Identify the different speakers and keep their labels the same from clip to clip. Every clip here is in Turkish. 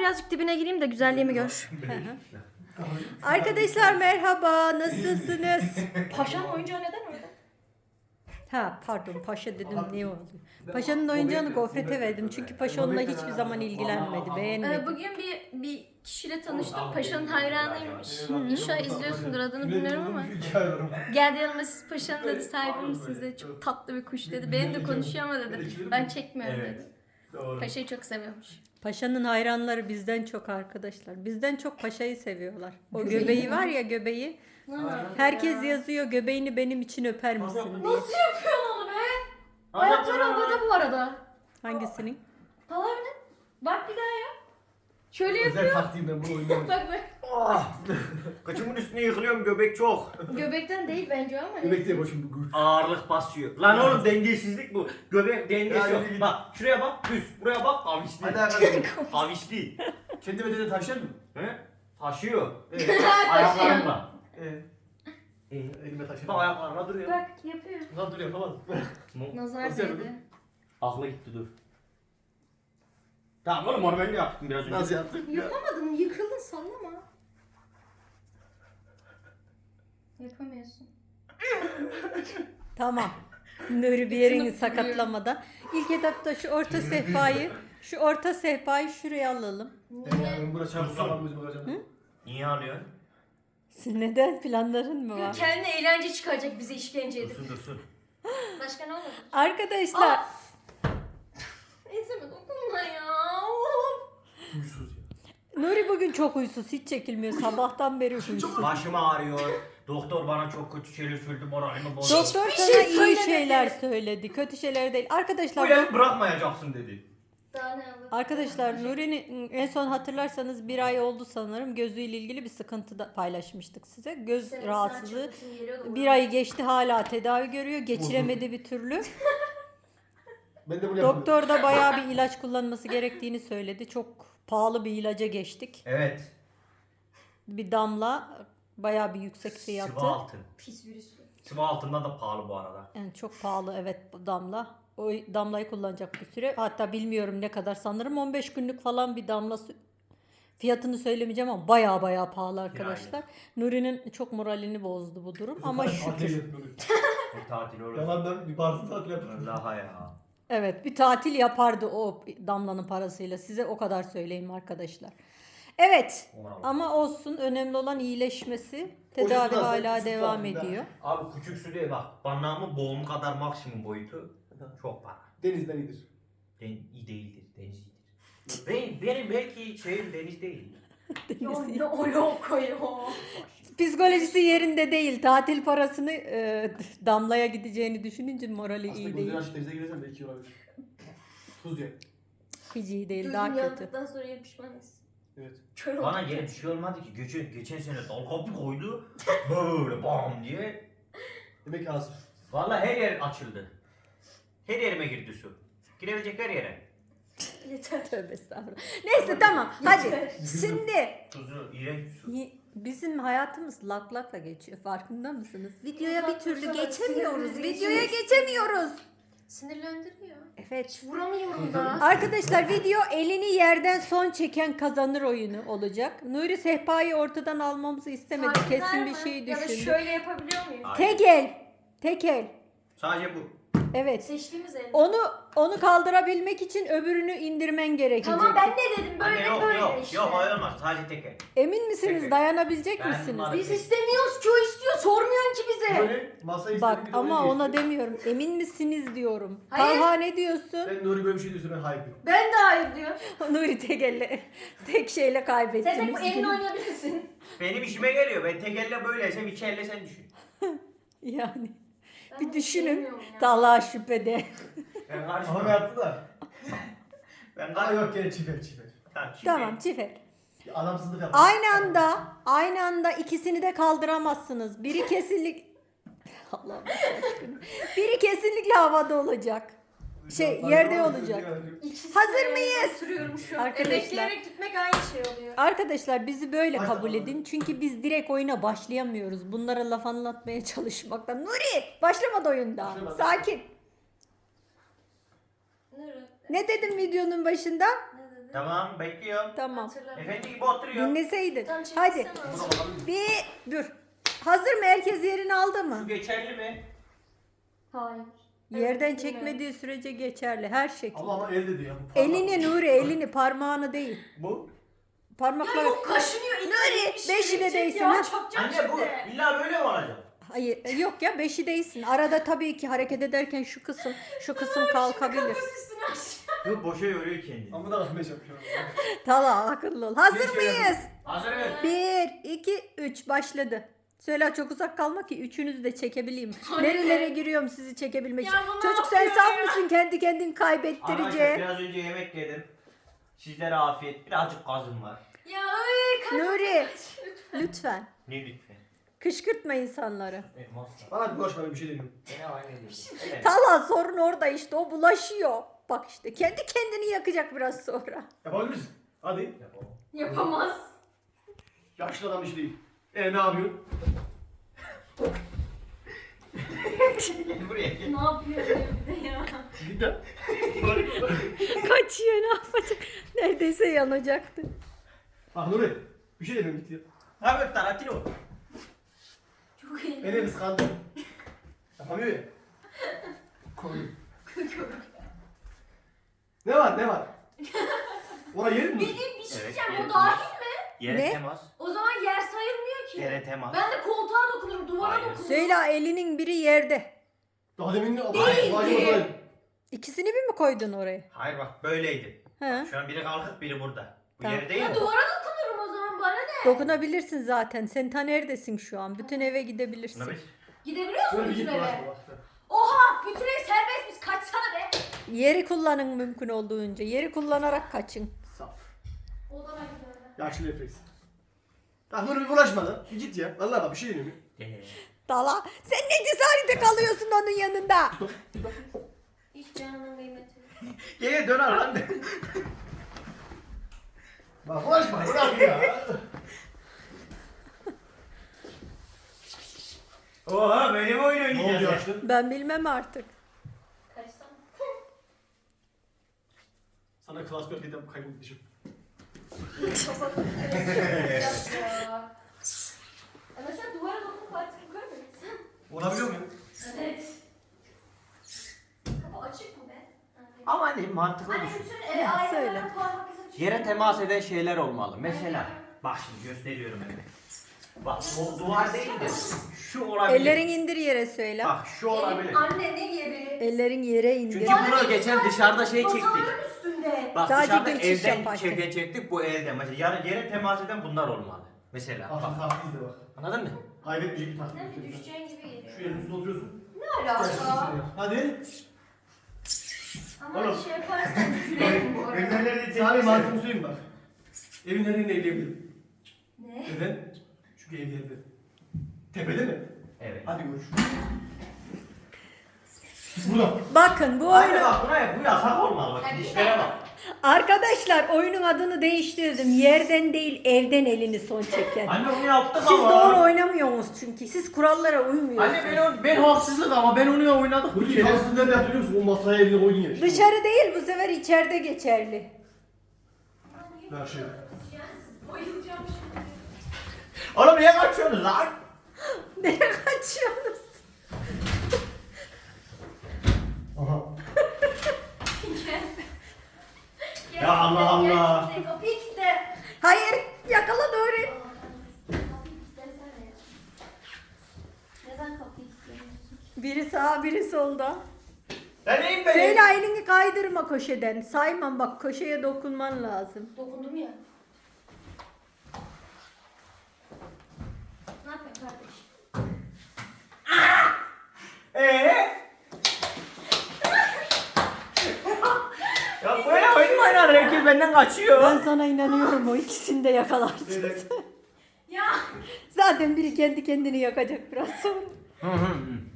Speaker 1: birazcık dibine gireyim de güzelliğimi gör. Arkadaşlar merhaba, nasılsınız? Paşa'nın oyuncağı neden orada? Ha pardon, Paşa dedim, ne oldu? Paşa'nın oyuncağını Gofret'e verdim çünkü Paşa onunla hiçbir zaman ilgilenmedi, beğenmedi.
Speaker 2: Bugün bir kişiyle tanıştım. Paşa'nın hayranıymış. İnşallah izliyorsundur, adını bilmiyorum ama. Geldi yanıma, siz Paşa'nın dedi sahibi misiniz dedi. Çok tatlı bir kuş dedi. Benim de konuşuyor ama dedi. Ben çekmiyorum dedi. Paşa'yı çok seviyormuş.
Speaker 1: Paşa'nın hayranları bizden çok arkadaşlar. Bizden çok Paşa'yı seviyorlar. O göbeği var ya, göbeği. Herkes yazıyor, göbeğini benim için öper misin diye.
Speaker 2: Nasıl yapıyorsun onu be? Ayakları havada bu arada.
Speaker 1: Hangisinin?
Speaker 2: Palavra. Bak bir daha ya. Şöyle
Speaker 3: Özel
Speaker 2: yapıyor.
Speaker 3: taktiğim ben bunu oynamam.
Speaker 2: Bak bak.
Speaker 4: Kaçımın üstüne yıkılıyorum, göbek çok.
Speaker 2: Göbekten değil bence ama.
Speaker 3: Göbek değil başım bu.
Speaker 4: Ağırlık basıyor. Lan oğlum dengesizlik bu. Göbek dengesi yok. Bak şuraya bak düz. Buraya bak kavisli.
Speaker 3: Hadi arkadaşlar.
Speaker 4: Kavisli.
Speaker 3: Kendi bedeni taşır mı?
Speaker 4: He? Taşıyor.
Speaker 3: Evet.
Speaker 4: Ayaklarımla.
Speaker 3: Elime taşır.
Speaker 4: Bak ayaklarına duruyor.
Speaker 2: Bak yapıyor.
Speaker 3: Lan dur yapamadım.
Speaker 2: Nazar
Speaker 3: Nasıl
Speaker 2: değdi.
Speaker 3: yapıyordun?
Speaker 4: Aklı gitti dur. Tamam oğlum onu ben de yaptım biraz önce.
Speaker 3: Nasıl yaptık ya?
Speaker 2: Yapamadın, yıkıldın, sallama. Yapamıyorsun.
Speaker 1: Tamam. Nuri bir yerini sakatlamadan. İlk etapta şu orta sehpayı şuraya alalım.
Speaker 3: Ben buna çarpsam gözüme bakacağım.
Speaker 4: Niye ağlıyorsun?
Speaker 1: Neden, planların mı var?
Speaker 2: Kendine eğlence çıkaracak, bize işkence edip.
Speaker 4: Dursun.
Speaker 2: Başka ne olur?
Speaker 1: Arkadaşlar
Speaker 2: Enseme dokunma ya.
Speaker 3: Huysuz ya.
Speaker 1: Nuri bugün çok huysuz, hiç çekilmiyor, sabahtan beri huysuz.
Speaker 4: Başım ağrıyor. Doktor bana çok kötü şeyler söyledi, moralimi bozdu.
Speaker 1: Doktor
Speaker 2: Hiçbir
Speaker 1: sana
Speaker 2: şey
Speaker 1: iyi
Speaker 2: söylemedi.
Speaker 1: şeyler söyledi, kötü şeyler değil.
Speaker 4: Bu
Speaker 1: Arkadaşlar
Speaker 4: evi bırakmayacaksın dedi.
Speaker 2: Daha ne olur?
Speaker 1: Arkadaşlar Nuri'nin en son hatırlarsanız bir ay oldu sanırım, gözüyle ilgili bir sıkıntı da paylaşmıştık size. Göz
Speaker 2: Senin
Speaker 1: rahatsızlığı
Speaker 2: saçın geliyordu
Speaker 1: bir
Speaker 2: bana.
Speaker 1: ay geçti, hala tedavi görüyor, geçiremedi bir türlü.
Speaker 3: Ben de bunu yapamıyorum.
Speaker 1: Doktor da bayağı bir ilaç kullanması gerektiğini söyledi. Çok pahalı bir ilaca geçtik.
Speaker 4: Evet.
Speaker 1: Bir damla bayağı bir yüksek fiyatı.
Speaker 4: Sıvı altın.
Speaker 2: Pis virüsü.
Speaker 4: Sıvı altından da pahalı bu arada.
Speaker 1: Yani çok pahalı, evet, bu damla. O damlayı kullanacak bir süre. Hatta bilmiyorum ne kadar, sanırım 15 günlük falan bir damla fiyatını söylemeyeceğim ama bayağı pahalı arkadaşlar. Nuri'nin çok moralini bozdu bu durum ama
Speaker 3: Tatil
Speaker 1: şükür.
Speaker 3: yapıyorum.
Speaker 4: Bir tatil olur.
Speaker 3: Yalandan bir parti tatil yapıyorum.
Speaker 4: Vallahi ya.
Speaker 1: Evet, bir tatil yapardı o damlanın parasıyla. Size o kadar söyleyeyim arkadaşlar. Evet ama olsun, önemli olan iyileşmesi. Tedavi
Speaker 3: Hocası da
Speaker 1: hala
Speaker 3: küçük
Speaker 1: devam
Speaker 3: zaten.
Speaker 1: ediyor.
Speaker 4: Abi küçük su değil bak. Banağımın boğumu kadar maksimum boyutu. Çok para.
Speaker 3: Denizden iyidir.
Speaker 4: İyi değildir. Deniz iyidir. Benim belki şeyim deniz değil.
Speaker 2: Ya ne o yok o yok.
Speaker 1: Psikolojisi yerinde değil. Tatil parasını damlaya gideceğini düşününce morali
Speaker 3: Aslında
Speaker 1: iyi
Speaker 3: gözleri
Speaker 1: değil.
Speaker 3: açıp denize girersen belki olabilir. Tuz ya.
Speaker 1: Hiç iyi değil,
Speaker 2: Gözüm
Speaker 1: daha kötü.
Speaker 2: yandıktan sonra ya pişmanız.
Speaker 3: Evet.
Speaker 2: Kör
Speaker 4: Bana
Speaker 2: oldum.
Speaker 4: yine bir şey olmadı ki. Geçen sene dal kapı koydu. Böyle bam diye.
Speaker 3: Demek ki az.
Speaker 4: Vallahi her yer açıldı. Her yerime girdi su. Girebilecek her yere.
Speaker 2: Yeter.
Speaker 1: Tövbe estağfurullah. Neyse tamam, hadi.
Speaker 2: Yeter.
Speaker 1: Şimdi
Speaker 4: Tuzu, iğrenç su.
Speaker 1: bizim hayatımız lak geçiyor, farkında mısınız? Videoya bir
Speaker 2: Uzak
Speaker 1: türlü
Speaker 2: dursana,
Speaker 1: geçemiyoruz.
Speaker 2: sinirimizi
Speaker 1: Videoya geçemiyoruz.
Speaker 2: Sinirlendiriyor.
Speaker 1: Evet.
Speaker 2: Vuramıyorum da.
Speaker 1: Arkadaşlar video elini yerden son çeken kazanır oyunu olacak. Nuri sehpayı ortadan almamızı istemedi.
Speaker 2: Farklar
Speaker 1: Kesin bir
Speaker 2: mı?
Speaker 1: şey
Speaker 2: Ya da
Speaker 1: düşündü.
Speaker 2: şöyle yapabiliyor muyum?
Speaker 1: Tek el. Tek el.
Speaker 4: Sadece bu.
Speaker 1: Evet.
Speaker 2: Seçtiğimiz el.
Speaker 1: Onu kaldırabilmek için öbürünü indirmen gerekecek.
Speaker 2: Tamam, ben ne dedim? Böyle
Speaker 4: Anne, yok
Speaker 2: böyle
Speaker 4: yok
Speaker 2: işte.
Speaker 4: yok hayır olmaz. Sadece tek el.
Speaker 1: Emin misiniz?
Speaker 4: Tek el.
Speaker 1: Dayanabilecek
Speaker 4: Ben
Speaker 1: misiniz?
Speaker 4: bunları-
Speaker 2: Biz istemiyoruz ki, o istiyor. Sormuyorsun ki bize.
Speaker 3: Böyle masayı
Speaker 1: Bak
Speaker 3: istediğim gibi
Speaker 1: ama
Speaker 3: oraya
Speaker 1: ona
Speaker 3: geçtim.
Speaker 1: demiyorum. Emin misiniz diyorum.
Speaker 2: Hayır.
Speaker 1: Talha ne diyorsun?
Speaker 3: Ben Nuri böyle bir şey diyorsa ben hayır diyorum.
Speaker 2: Ben de hayır diyorum.
Speaker 1: Nuri tek şeyle
Speaker 2: Sen
Speaker 1: kaybettiniz.
Speaker 2: tek bu elini oynayabilirsin.
Speaker 4: Benim işime geliyor. Ben tek elle böyleysem iki elle sen düşün.
Speaker 1: Yani
Speaker 2: Ben
Speaker 1: bir
Speaker 2: bunu
Speaker 1: düşünün.
Speaker 2: sevmiyorum ya.
Speaker 1: Talha şüphede.
Speaker 4: Ben
Speaker 3: Ama
Speaker 4: karışmam.
Speaker 3: ben yaptı da.
Speaker 4: Ben
Speaker 3: Ama
Speaker 4: karışmam.
Speaker 3: yok gene çifer çifer.
Speaker 1: Tamam, çifer.
Speaker 3: Adamsızlık yaptı.
Speaker 1: Aynı anda ikisini de kaldıramazsınız. Biri kesinlikle Allah'ım aşkına. Biri kesinlikle havada olacak. Yerde olacak.
Speaker 2: İkisi
Speaker 1: Hazır
Speaker 2: de
Speaker 1: mıyız?
Speaker 2: Sürüyorum şu an.
Speaker 1: Arkadaşlar.
Speaker 2: Bekleyerek gitmek aynı şey oluyor.
Speaker 1: Arkadaşlar bizi böyle
Speaker 3: Hadi
Speaker 1: kabul
Speaker 3: bakalım.
Speaker 1: edin. Çünkü biz direkt oyuna başlayamıyoruz. Bunlara laf anlatmaya çalışmaktan. Nuri başlamadı oyunda.
Speaker 3: Başlamadı.
Speaker 1: Sakin.
Speaker 2: Nuri.
Speaker 1: Ne dedim videonun başında?
Speaker 2: Ne dedi?
Speaker 4: Tamam bekliyorum.
Speaker 1: Tamam.
Speaker 2: Hatırlamıyorum.
Speaker 4: Efendi gibi oturuyor.
Speaker 1: Dinleseydin.
Speaker 2: Tamam,
Speaker 1: Hadi.
Speaker 2: çekilsene.
Speaker 3: Buna bakalım.
Speaker 1: Bir dur. Hazır mı? Herkes yerini aldı
Speaker 4: Bu
Speaker 1: mı?
Speaker 4: geçerli mi?
Speaker 2: Hayır.
Speaker 1: Yerden
Speaker 2: Evet,
Speaker 1: çekmediği sürece geçerli her şekilde.
Speaker 3: Ama el dedi ya. bu parmak.
Speaker 1: Elini Nuri, elini, parmağını değil.
Speaker 3: Bu.
Speaker 1: Parmakları.
Speaker 2: Yok kaşınıyor.
Speaker 1: Nuri, beşi de değilsin,
Speaker 2: ya.
Speaker 1: ha?
Speaker 2: Çakacağım
Speaker 4: Anne bu
Speaker 2: şimdi.
Speaker 4: illa böyle mi olacak?
Speaker 1: Hayır, yok ya beşi değilsin. Arada tabii ki hareket ederken şu kısım kalkabilir.
Speaker 2: Kafası üstüne aşağı.
Speaker 4: Yok boşa yoruyor kendini.
Speaker 3: Ama da rahmet yapıyor.
Speaker 1: Tamam, akıllı ol. Hazır
Speaker 3: Bir şey
Speaker 1: mıyız?
Speaker 4: Hazırız.
Speaker 1: 1, 2, 3 başladı. Söyle çok uzak kalma ki üçünüzü de çekebileyim.
Speaker 2: Hayır.
Speaker 1: Nerelere giriyorum sizi çekebilmek için.
Speaker 2: Ya bu ne
Speaker 1: Çocuk sen
Speaker 2: yapıyor
Speaker 1: saf
Speaker 2: ya?
Speaker 1: mısın kendi kendini
Speaker 4: Arkadaşlar
Speaker 1: kaybettirecek?
Speaker 4: biraz önce yemek yedim. Sizlere afiyet. Birazcık gazım var.
Speaker 2: Ya ay kaç.
Speaker 1: Nuri lütfen
Speaker 4: Ne lütfen.
Speaker 1: kışkırtma insanları.
Speaker 3: Bana bir boş ver bir şey demiyorum.
Speaker 1: Tala sorun orada işte o bulaşıyor. Bak işte kendi kendini yakacak biraz sonra.
Speaker 3: Yapabilir misin? Hadi.
Speaker 2: Yapamaz.
Speaker 3: Yaşlı adam işi değil. Ne yapıyorsun?
Speaker 4: Gel buraya gel.
Speaker 2: Ne yapıyor diyor bir de ya.
Speaker 3: Git lan.
Speaker 1: Kaçıyor ne yapacak? Neredeyse yanacaktı.
Speaker 3: Bak Nuri. Bir şey demiyorum git ya.
Speaker 4: Abi Tarantino.
Speaker 2: Çok iyi.
Speaker 3: Beni kıskandı. Yapamıyor ya. Koy. Ne var ne var? Oraya yerin mi?
Speaker 2: Bir şey diyeceğim
Speaker 4: Evet,
Speaker 2: o dahil mi?
Speaker 4: Yere
Speaker 1: Ne?
Speaker 4: temas.
Speaker 2: O zaman yer sayılmıyor ki.
Speaker 4: Yere temas.
Speaker 2: Ben de koltuğa dokunurum, duvara
Speaker 4: Aynen.
Speaker 2: dokunurum.
Speaker 1: Söyle elinin biri yerde.
Speaker 3: Daha demin ne?
Speaker 2: Değildi.
Speaker 1: İkisini bir mi koydun oraya?
Speaker 4: Hayır bak böyleydi.
Speaker 1: He.
Speaker 4: Şu an biri kalkıp biri burada. Bu
Speaker 1: Tamam.
Speaker 4: yere değil
Speaker 2: Ya
Speaker 4: mi?
Speaker 2: duvara dokunurum o zaman bana ne?
Speaker 1: Dokunabilirsin zaten. Sen ta neredesin şu an? Bütün eve gidebilirsin.
Speaker 4: Buna bir-
Speaker 2: Gidebiliyor musun
Speaker 3: Şöyle bir
Speaker 2: bütün
Speaker 3: git
Speaker 2: eve?
Speaker 3: bak.
Speaker 2: Oha! Bütün ev serbest biz kaçsana be.
Speaker 1: Yeri kullanın mümkün olduğunca. Yeri kullanarak kaçın.
Speaker 3: Saf.
Speaker 2: Odana gidiyorum.
Speaker 3: Yaşlı refleks. Bak Nuri bir bulaşma lan. Bir git ya. Vallahi bak bir şey demiyorum.
Speaker 1: Dala. Sen ne cesarete kalıyorsun onun yanında?
Speaker 2: Hiç canının kıymeti yok.
Speaker 4: Gel dön lan de.
Speaker 3: Bak bulaşma. Bırak ya.
Speaker 4: Oha böyle mi oyun
Speaker 3: Ne oldu
Speaker 4: oynayacağız ya?
Speaker 3: yaşlı?
Speaker 1: Ben bilmem artık.
Speaker 2: Kaçsana.
Speaker 3: Sana klas bir dedim kaybetmişim.
Speaker 2: Kafası üstüne ya. Mesela duvara dokunup artık yukarı mı gitsen?
Speaker 3: Olabiliyor muyum?
Speaker 2: Evet. Kapı açık mı be?
Speaker 4: Ama hani mantıklı
Speaker 2: Hani
Speaker 4: düşün.
Speaker 2: bütün
Speaker 1: Ya,
Speaker 2: aynalara
Speaker 1: söyle.
Speaker 2: parmak izi çıkıyor.
Speaker 4: Yere temas eden şeyler olmalı. Mesela bak şimdi gösteriyorum hemen. Bak o duvar değil de şu olabilir.
Speaker 1: Ellerin indir yere söyle.
Speaker 4: Bak şu olabilir.
Speaker 2: Elin anne ne diyebilir?
Speaker 1: Ellerin yere indir.
Speaker 4: Çünkü bunu geçen dışarıda şey çektik.
Speaker 2: Masaların üstünde.
Speaker 4: Bak
Speaker 1: Sadece
Speaker 4: dışarıda
Speaker 1: geçiş
Speaker 4: evden
Speaker 1: yaparken.
Speaker 4: çektik bu elde. Mesela yere temas eden bunlar olmalı. Mesela
Speaker 3: Bak
Speaker 4: bak.
Speaker 3: bak izle bak.
Speaker 4: Anladın mı?
Speaker 3: Kaybetmeyecek bir taktik.
Speaker 2: Sanki düşeceğin gibi geliyor.
Speaker 3: Şu elin üstüne oturuyorsun.
Speaker 2: Ne alaka?
Speaker 3: Hadi.
Speaker 2: Ama
Speaker 3: Oğlum.
Speaker 2: şey yaparsan gülerim bu arada.
Speaker 3: Sana bir mantığımı söyleyeyim bak. Evin nerede evleyebilirim?
Speaker 2: Ne?
Speaker 3: Neden? Çünkü ev yerde. Tepede mi?
Speaker 4: Evet.
Speaker 3: Hadi görüş. Burada.
Speaker 1: Bakın bu
Speaker 4: Hayır
Speaker 1: oyunu...
Speaker 4: bak buna bu yasak olmalı bak. Dişlere bak.
Speaker 1: Arkadaşlar oyunun adını değiştirdim. Yerden değil evden elini son çeken.
Speaker 4: Anne onu yaptık
Speaker 1: Siz
Speaker 4: ama.
Speaker 1: doğru oynamıyorsunuz çünkü. Siz kurallara uymuyorsunuz.
Speaker 4: Anne ben haksızlık ama ben onu oynadık
Speaker 3: Bu şanslı nerede yapıyor musun? O masaya elini koydun ya işte.
Speaker 1: Dışarı değil bu sefer içeride geçerli.
Speaker 3: Her şey.
Speaker 2: Bayılacağım şimdi.
Speaker 4: Oğlum niye kaçıyorsunuz lan?
Speaker 1: Nereye kaçıyorsunuz?
Speaker 3: Aha.
Speaker 2: Gel.
Speaker 4: Ya Allah Allah.
Speaker 2: Gel, kapıyı kilitle.
Speaker 1: Hayır yakala Nuri.
Speaker 2: Kapıyı kilitlesene ya. Neden kapıyı kilitlemiyorsun?
Speaker 1: Biri sağ biri solda.
Speaker 4: Ben neyim ben?
Speaker 1: Söyle elini kaydırma köşeden. Saymam bak köşeye dokunman lazım.
Speaker 2: Dokundum ya. Ne yapıyorsun kardeş?
Speaker 4: Ya böyle oyun mu oynar? Herkes benden kaçıyor.
Speaker 1: Ben sana inanıyorum o ikisini de yakalarsın.
Speaker 3: Evet.
Speaker 2: Ya.
Speaker 1: Zaten biri kendi kendini yakacak biraz sonra.
Speaker 4: Hı hı.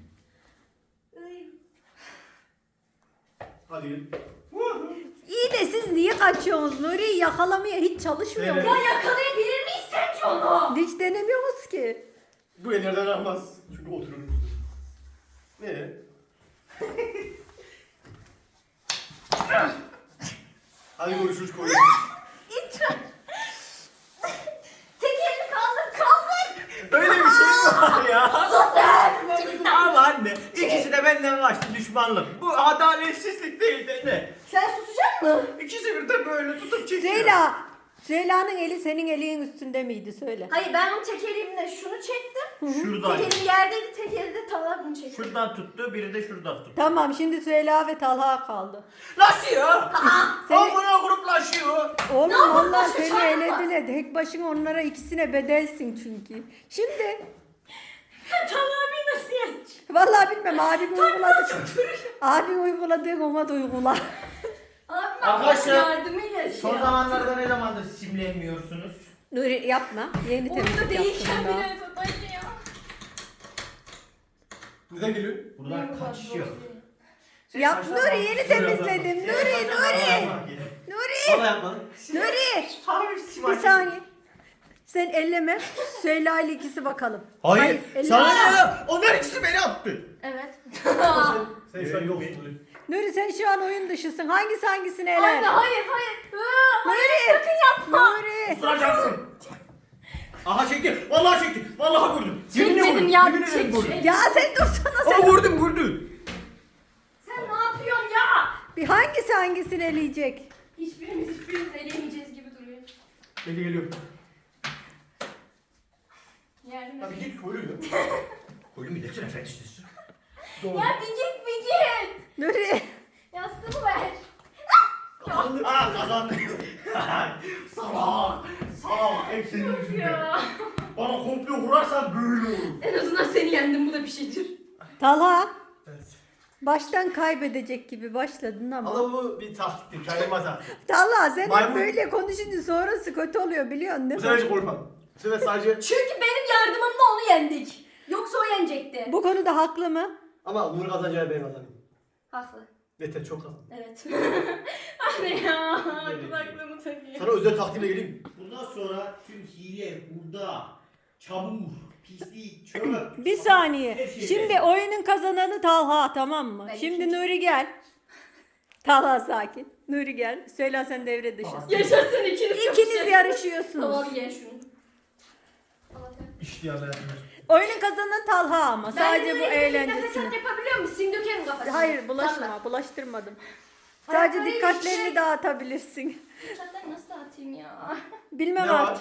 Speaker 3: Hadi gel.
Speaker 1: İyi de siz niye kaçıyorsunuz? Nuri'yi yakalamaya hiç çalışmıyor
Speaker 3: Evet.
Speaker 2: Ya
Speaker 1: musunuz?
Speaker 2: yakalayabilir miyiz sence onu?
Speaker 1: Hiç denemiyoruz ki.
Speaker 3: Bu ellerden almaz. Çünkü oturur. Ne? Hadi görüşürüz koyun.
Speaker 4: benden kaçtı düşmanlık. Bu adaletsizlik değil de ne?
Speaker 2: Sen susacak mısın?
Speaker 4: İkisi birden böyle tutup çekiyor.
Speaker 1: Süheyla'nın eli senin elinin üstünde miydi söyle.
Speaker 2: Hayır ben onun tek elimle şunu çektim.
Speaker 4: Şuradan.
Speaker 2: Tek elim yerdeydi, tek elde Talha bunu çekti.
Speaker 4: Şuradan tuttu, biri de şuradan tuttu.
Speaker 1: Tamam şimdi Süheyla ve Talha kaldı.
Speaker 4: Nasıl ya?
Speaker 1: Seni-
Speaker 4: Amına gruplaşıyor.
Speaker 1: Oğlum onlar seni elediler. Tek başına onlara ikisine bedelsin çünkü. Şimdi
Speaker 2: Talha abi nasıl yenecek?
Speaker 1: vallahi bilmem abim uyguladı. Abim uyguladığı ona da uygula.
Speaker 2: Abim
Speaker 4: Arkadaşlar,
Speaker 2: yardımıyla şey
Speaker 4: Son zamanlarda ne zamandır simlenmiyorsunuz?
Speaker 1: Nuri yapma. Yeni
Speaker 2: Oyunda
Speaker 1: temizlik
Speaker 2: değilken
Speaker 1: yaptım daha.
Speaker 2: bile sataydı ya.
Speaker 3: Neden geliyor?
Speaker 4: Buradan kaçışıyor.
Speaker 1: Yap Nuri yeni temizledim. Nuri.
Speaker 3: Bana yapmadın.
Speaker 1: Nuri. Bir saniye. Sen elleme. Süheyla ile ikisi bakalım.
Speaker 4: Hayır.
Speaker 1: elleme.
Speaker 4: Sana ne ya? Onlar ikisi beni attı.
Speaker 2: Evet.
Speaker 3: Sen şu an yoksun.
Speaker 1: Nuri sen şu an oyun dışısın. Hangisi hangisini eler?
Speaker 2: Anne hayır. Hayır sakın yapma.
Speaker 1: Nuri.
Speaker 4: Kusuracaksın. Aha çekti. Vallahi çekti. Vallahi vurdum.
Speaker 2: Çekmedim ya.
Speaker 4: Yemin ederim vurdum.
Speaker 1: Ya sen dursana
Speaker 4: Aa
Speaker 1: sen.
Speaker 4: vurdum.
Speaker 2: Sen ne yapıyorsun ya?
Speaker 1: Bir hangisi hangisini eleyecek?
Speaker 2: Hiçbirimiz eleyemeyeceğiz gibi duruyor.
Speaker 3: Beni geliyor.
Speaker 2: Yardım
Speaker 3: Abi
Speaker 2: et.
Speaker 3: git koyuyor.
Speaker 4: Koyun bir de sen efendisiz.
Speaker 3: Doğru.
Speaker 2: Ya bir git.
Speaker 1: Nuri.
Speaker 2: Yastığımı ver.
Speaker 4: Aa kazandım. Salak. Hep senin yüzünden.
Speaker 2: Ya.
Speaker 4: Bana komplo kurarsan böyle olur.
Speaker 2: En azından seni yendim bu da bir şeydir.
Speaker 1: Talha.
Speaker 3: Evet.
Speaker 1: Baştan kaybedecek gibi başladın ama.
Speaker 3: Ama bu bir taktiktir. Kayma taktik.
Speaker 1: Talha sen hep
Speaker 3: Maymun.
Speaker 1: böyle konuşunca sonrası kötü oluyor biliyorsun
Speaker 3: Bu
Speaker 1: değil
Speaker 3: sefer
Speaker 1: mi?
Speaker 3: hiç korkmadım. Bu sefer sadece...
Speaker 2: Çünkü benim yardımımla onu yendik. Yoksa o yenecekti.
Speaker 1: Bu konuda haklı mı?
Speaker 3: Ama Nur kazanacağını ben kazanayım.
Speaker 2: Haklı.
Speaker 3: Yeter çok kazan.
Speaker 2: Evet. Anne ya. Kulaklığımı takayım.
Speaker 3: Sana özel taktiğimle geleyim mi?
Speaker 4: Bundan sonra tüm hile, hurda, çamur, pislik, çöp.
Speaker 1: Bir saniye.
Speaker 4: Her şey
Speaker 1: Şimdi
Speaker 4: belli.
Speaker 1: oyunun kazananı Talha tamam mı?
Speaker 2: Ben
Speaker 1: Şimdi
Speaker 2: ikinci.
Speaker 1: Nuri gel. Talha sakin. Nuri gel. Söyle sen devre dışısın.
Speaker 2: Yaşasın ikiniz.
Speaker 1: İkiniz yarışıyorsunuz.
Speaker 2: Tamam ye şunu.
Speaker 3: İşte ya ben.
Speaker 1: Oyunun kazananı Talha ama. Sadece bu
Speaker 2: Nefes
Speaker 1: eğlencesine.
Speaker 2: yapabiliyor musun? Sim dökerim kafasına.
Speaker 1: Hayır bulaşma.
Speaker 2: Vallahi.
Speaker 1: Bulaştırmadım.
Speaker 2: Hayır,
Speaker 1: Sadece
Speaker 2: hayır,
Speaker 1: dikkatlerini
Speaker 2: şey-
Speaker 1: dağıtabilirsin.
Speaker 2: Zaten nasıl atayım ya?
Speaker 1: Bilmem
Speaker 3: Ne var?
Speaker 1: artık.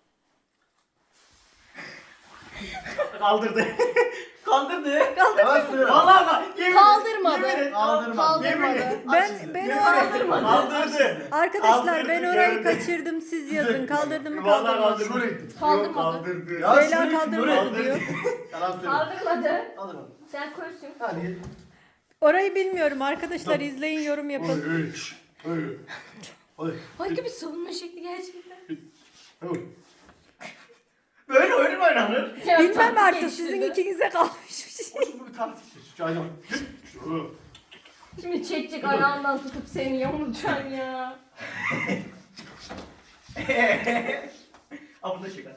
Speaker 4: Kaldırdı. Kaldırdı.
Speaker 3: Yalan söyle.
Speaker 4: Vallahi bak. yemin-
Speaker 2: Kaldırmadı.
Speaker 4: yemin et,
Speaker 3: Kaldırmadı.
Speaker 4: yemin et.
Speaker 1: Ben
Speaker 4: Yemin
Speaker 1: o
Speaker 4: et. Kaldırdı.
Speaker 1: arkadaşlar
Speaker 4: Kaldırdı,
Speaker 1: ben orayı
Speaker 4: gördüm.
Speaker 1: kaçırdım siz yazın. Kaldırdım mı
Speaker 4: Vallahi
Speaker 1: kaldırmadım.
Speaker 4: kaldırdı.
Speaker 3: Şöyle gittim.
Speaker 2: Kaldırmadı.
Speaker 4: Kaldırdı.
Speaker 3: Ya
Speaker 1: Süheyla
Speaker 3: şöyle gittim,
Speaker 1: kaldırmadı
Speaker 3: böyle.
Speaker 1: diyor.
Speaker 3: Yalan söyle.
Speaker 2: Kaldırmadı.
Speaker 3: Kaldırmadım.
Speaker 2: Sen koysun.
Speaker 3: Hadi gel.
Speaker 1: Orayı bilmiyorum arkadaşlar izleyin yorum yapın.
Speaker 3: Öyle. Öyle. Hadi.
Speaker 2: Harika bir savunma şekli gerçekten.
Speaker 3: Hadi.
Speaker 4: Böyle oyun mu oynanır?
Speaker 2: Ya,
Speaker 1: Bilmem
Speaker 2: taktik
Speaker 1: artık
Speaker 2: geliştirdi.
Speaker 1: sizin ikinize kalmış bir şey.
Speaker 3: O şimdi bir taktiktir. Şahane bak. Şu.
Speaker 2: Şimdi çekecek ayağından tutup seni yamultacaksın ya.
Speaker 4: Aa bu da şaka.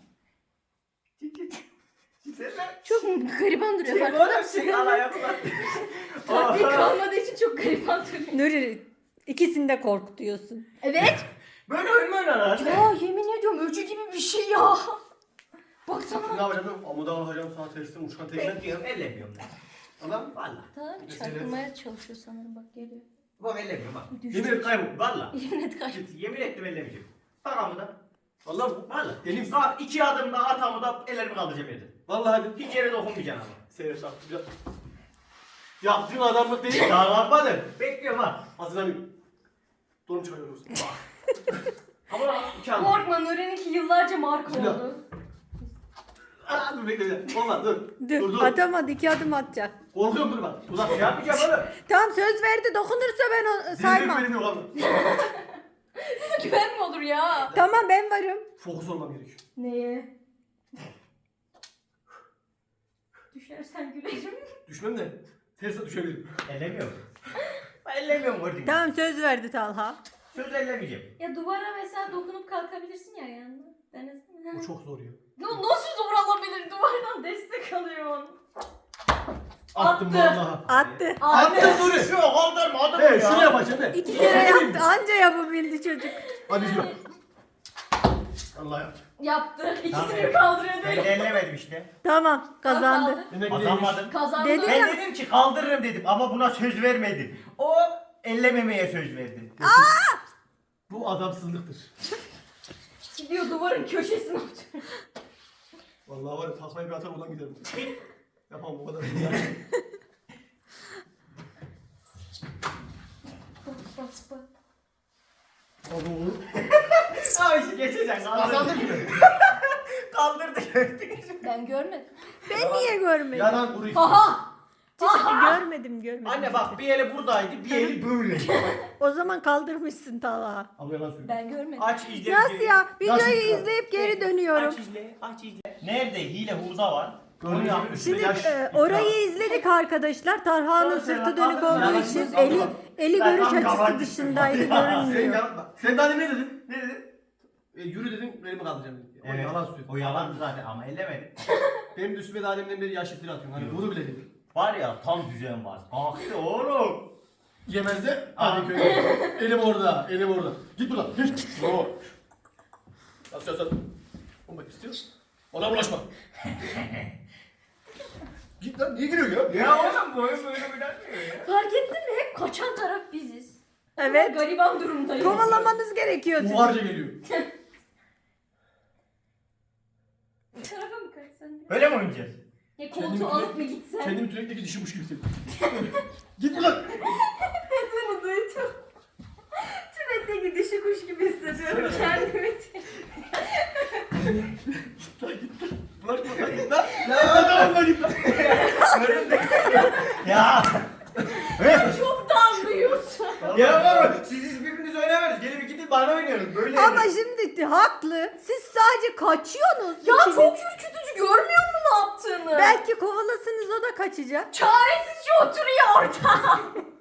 Speaker 2: Çok gariban duruyor
Speaker 4: Şey
Speaker 2: farkında
Speaker 4: böyle
Speaker 2: mısın?
Speaker 4: şey alaya mı lan?
Speaker 2: Taktik kalmadığı için çok gariban duruyor.
Speaker 1: Nuri ikisini de korkutuyorsun.
Speaker 2: Evet.
Speaker 4: Böyle oyun mu oynanır?
Speaker 2: Ya yemin ediyorum öcü gibi bir şey ya.
Speaker 3: Ne
Speaker 2: Baksana.
Speaker 3: yapacağım ben? Amuda alacağım sana tersten uçan tekme.
Speaker 4: Bekliyorum, ellemiyorum ben.
Speaker 3: Tamam.
Speaker 4: Valla.
Speaker 2: Tamam çarpılmaya çalışıyor sanırım bak geliyor.
Speaker 4: Bak ellemiyorum bak.
Speaker 3: Yemin et kaybol.
Speaker 4: Valla.
Speaker 2: Yemin et kaç.
Speaker 4: Yemin ettim ellemeyeceğim. Bak amuda.
Speaker 3: Vallahi bu.
Speaker 4: Valla.
Speaker 3: Elim-
Speaker 4: Bak 2 adım daha at amuda ellerimi kaldıracağım yerden.
Speaker 3: Vallahi hadi.
Speaker 4: Hiç yere dokunmayacaksın ama.
Speaker 3: Seyret yaptım. Yaptığın adamlık değil.
Speaker 4: Daha yapmadım. Bekliyorum ha.
Speaker 3: Hazırlanayım. Donum çıkarıyoruz.
Speaker 4: Ama bak 2 adım.
Speaker 2: Korkma Nuri'ninki yıllarca marka
Speaker 3: Bismillah.
Speaker 2: oldu.
Speaker 3: Aa dur bekle. Olmaz dur.
Speaker 1: Dur, atamadı 2 adım atacak.
Speaker 3: Korkuyorum dur bak. Uzak
Speaker 4: Ne yapacağım oğlum?
Speaker 1: Tamam söz verdi dokunursa ben o saymam.
Speaker 3: Benim yok abi.
Speaker 2: Güven mi olur ya?
Speaker 1: Tamam ben varım.
Speaker 3: Fokus olmam gerekiyor.
Speaker 2: Neye? Düşersen gülerim.
Speaker 3: Düşmem de terse düşebilirim.
Speaker 4: Ellemiyorum. Ben ellemiyorum gördün mü?
Speaker 1: Tamam söz verdi Talha.
Speaker 4: Söz ellemeyeceğim.
Speaker 2: Ya duvara mesela dokunup kalkabilirsin ya yanında. Denesene.
Speaker 3: Bu çok zor ya.
Speaker 2: Nasıl zor olabilir? Duvardan destek alıyorsun.
Speaker 3: Attım
Speaker 2: Attı.
Speaker 3: vallahi.
Speaker 1: Attı.
Speaker 3: Attım dur.
Speaker 4: Şu kaldırma adım
Speaker 3: He
Speaker 4: ya.
Speaker 3: şunu yapacağım de.
Speaker 1: 2 kere yaptı anca yapabildi çocuk.
Speaker 3: Hadi şunu. Allah yaptı.
Speaker 2: Yaptı. İkisini
Speaker 4: Tabii.
Speaker 2: kaldırıyor
Speaker 4: Ben
Speaker 2: değil
Speaker 4: de
Speaker 2: mi?
Speaker 4: ellemedim işte.
Speaker 1: Tamam kazandı.
Speaker 3: Demek
Speaker 4: Kazanmadım.
Speaker 2: Kazandı.
Speaker 1: Dedi
Speaker 4: Ben
Speaker 1: ya.
Speaker 4: dedim ki kaldırırım dedim ama buna söz vermedim. O ellememeye söz verdi.
Speaker 3: Bu adamsızlıktır.
Speaker 2: Gidiyor duvarın köşesine oturuyor.
Speaker 3: Vallahi var ya taklayı bir atar oradan giderim. Yapamam bu kadar. Oğlum.
Speaker 4: Abi işte geçeceksin.
Speaker 3: Kazandım gibi.
Speaker 4: Kaldırdı gördük.
Speaker 2: Ben görmedim.
Speaker 1: Ben niye görmedim?
Speaker 3: Yalan kuru
Speaker 2: Aha!
Speaker 1: Görmedim.
Speaker 4: Anne bak bir eli buradaydı bir eli böyle.
Speaker 1: O zaman kaldırmışsın Talha.
Speaker 3: Ama yalan söylüyor.
Speaker 2: Ben görmedim.
Speaker 4: Aç izle.
Speaker 1: Nasıl ya? Videoyu
Speaker 3: Nasıl?
Speaker 1: izleyip geri dönüyorum.
Speaker 4: Aç izle. Aç izle. Nerede hile hurda var?
Speaker 3: Gördüğünüz
Speaker 4: Onu
Speaker 3: gibi
Speaker 4: yapmış.
Speaker 3: üstüne
Speaker 1: Şimdi
Speaker 3: yaş.
Speaker 1: orayı izledik arkadaşlar. Tarhan'ın sırtı dönük olduğu için eli
Speaker 4: Ben
Speaker 1: görüş
Speaker 4: tam
Speaker 1: açısı
Speaker 4: yabancısın.
Speaker 1: dışındaydı
Speaker 3: Sen,
Speaker 1: görünmüyor.
Speaker 3: sen daha demin ne dedin? Ne dedin? Yürü dedim, elimi kaldıracağım dedim. O
Speaker 4: Evet.
Speaker 3: yalan söylüyor.
Speaker 4: O yalandı zaten ama ellemedim.
Speaker 3: Benim de üstüme daha deminden beri yaş iftira atıyorsun. Hani bunu bile dedim.
Speaker 4: Var ya tam düzen var. Kalktı oğlum.
Speaker 3: Yemezde hadi köye. Elim orada, elim orada. Git buradan. Git. Oo. Yaz. Olmak istiyorsun. Ona bulaşma. Git lan, niye giriyor ya?
Speaker 4: Ya oğlum bu oyun böyle oynanmıyor ya.
Speaker 2: Fark ettin mi? Hep kaçan taraf biziz.
Speaker 1: Evet.
Speaker 2: Gariban durumdayız.
Speaker 1: Kovalamanız gerekiyor sizin.
Speaker 3: Buharca geliyor.
Speaker 2: Bu tarafa mı kaçsan?
Speaker 4: Öyle mi oynayacağız?
Speaker 2: Ya
Speaker 3: Kendimi
Speaker 2: koltuğu alıp mı gitsen?
Speaker 3: Kendimi tünekteki dişimiş gibi hissediyorum. Git buradan.
Speaker 2: Bunu duydum. Tünetteki dişi kuş gibi hissediyorum kendimi.
Speaker 3: Bulaşma lan git lan. Ya tamam lan git lan.
Speaker 4: Ya.
Speaker 2: Çok damlıyorsun.
Speaker 4: Ya oğlum siz birbiriniz oynamıyorsunuz. Gelip gidip bana oynuyorsunuz. Böyle
Speaker 1: Ama şimdi haklı. Siz sadece kaçıyorsunuz.
Speaker 2: Ya
Speaker 1: İkiniz.
Speaker 2: çok ürkütücü, görmüyor musun ne yaptığını?
Speaker 1: Belki kovalasınız o da kaçacak.
Speaker 2: Çaresizce oturuyor orada.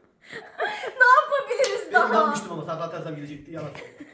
Speaker 2: Ne yapabiliriz
Speaker 3: Ben
Speaker 2: daha?
Speaker 3: inanmıştım ama takla atarsam gidecekti yalan.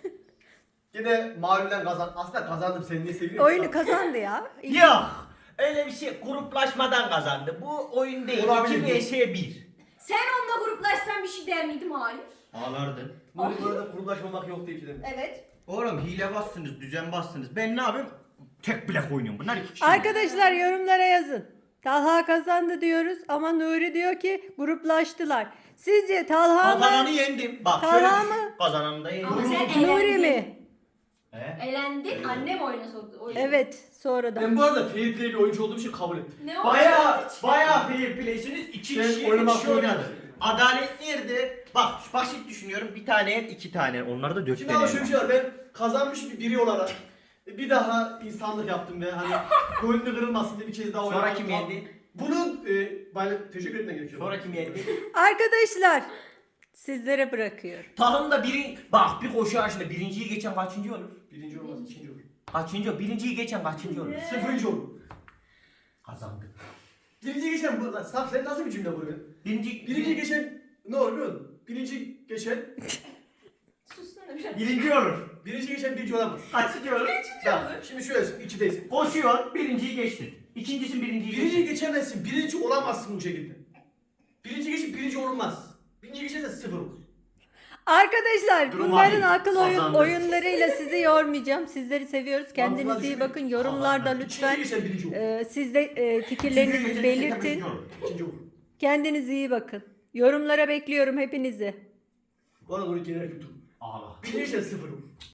Speaker 3: Yine mağlulen kazan. Aslında kazandım seni niye seviyorum?
Speaker 1: Oyunu kazandı ya.
Speaker 4: Yok. Öyle bir şey gruplaşmadan kazandı. Bu oyun değil.
Speaker 3: Olabilir.
Speaker 4: 2 vs 1.
Speaker 2: Sen onunla gruplaşsan bir şey der miydim? Hayır.
Speaker 4: Ağlardın.
Speaker 3: Nuri bu arada kurumlaşmamak yok diye bir şey demiş.
Speaker 2: Evet.
Speaker 4: Oğlum hile bassınız, düzen bassınız. Ben ne yapayım? Tek bilek oynuyorum. Bunlar iki kişi.
Speaker 1: Arkadaşlar yorumlara yazın. Talha kazandı diyoruz ama Nuri diyor ki gruplaştılar. Sizce Talha
Speaker 4: Kazananı
Speaker 1: mı?
Speaker 4: yendim. Bak
Speaker 1: Tamam
Speaker 4: şöyle
Speaker 1: mı?
Speaker 4: düşün. Kazananı da yendim.
Speaker 2: Ama sen
Speaker 1: Nuri
Speaker 2: elendin.
Speaker 1: mi?
Speaker 4: He?
Speaker 2: Elendin, annem oyuna soktu. O yüzden.
Speaker 1: Evet sonradan.
Speaker 3: Ben bu arada fair play bir oyuncu olduğum için kabul ettim.
Speaker 2: Ne oldu?
Speaker 4: Bayağı fair play'siniz. İki
Speaker 3: Ben
Speaker 4: kişi
Speaker 3: oynamak
Speaker 4: iki kişi oynadı.
Speaker 3: zorundayım.
Speaker 4: Adalet nerede? Bak basit düşünüyorum. Bir tane yen, iki tane. Onları da 4
Speaker 3: Şimdi
Speaker 4: tane.
Speaker 3: ama şöyle bir şey var. Ben kazanmış bir biri olarak bir daha insanlık yaptım ve hani gönlü kırılmasın diye bir kez daha
Speaker 4: Sonra
Speaker 3: oynadım.
Speaker 4: kim yendi?
Speaker 3: Bunun bana teşekkür etmem gerekiyor.
Speaker 4: Sonra kim yendi?
Speaker 1: Arkadaşlar sizlere bırakıyorum.
Speaker 4: Tahımda bak bir koşu yarışında birinciyi geçen kaçıncı olur?
Speaker 3: Birinci olmaz, ikinci olur.
Speaker 4: Kaçıncı? Birinciyi geçen kaçıncı olur?
Speaker 3: Sıfırıncı olur.
Speaker 4: Kazandı.
Speaker 3: Birinci geçen bu lan. Saf sen nasıl bir cümle bu ya? Birinci geçen ne olur biliyor musun? Birinci geçen
Speaker 2: Sussana biraz.
Speaker 4: Birinci olur.
Speaker 3: birinci geçen birinci olamaz.
Speaker 4: Kaçıncı olur?
Speaker 3: Bak şimdi şöyle içindeyiz.
Speaker 4: Koşuyor, birinciyi geçtin. İkincisin birinciyi
Speaker 3: Birinci
Speaker 4: geçtin.
Speaker 3: geçemezsin. Birinci olamazsın bu şekilde. Birinci geçip birinci olmaz. Birinci geçersen sıfır olur.
Speaker 1: Arkadaşlar
Speaker 4: Durum
Speaker 1: bunların
Speaker 4: adil.
Speaker 1: akıl
Speaker 4: Kazandı.
Speaker 1: oyunlarıyla sizi yormayacağım. Sizleri seviyoruz. Kendinize iyi
Speaker 3: düşünün.
Speaker 1: bakın. Yorumlarda
Speaker 4: Kazandı.
Speaker 1: lütfen
Speaker 3: İkinci geçen birinci olur.
Speaker 1: siz de fikirlerinizi belirtin.
Speaker 3: İkinci olur.
Speaker 1: Kendinize iyi bakın. Yorumlara bekliyorum hepinizi.
Speaker 3: Bana doğru genel kültür.
Speaker 4: Ağla.
Speaker 3: Birinci geçen sıfır olur.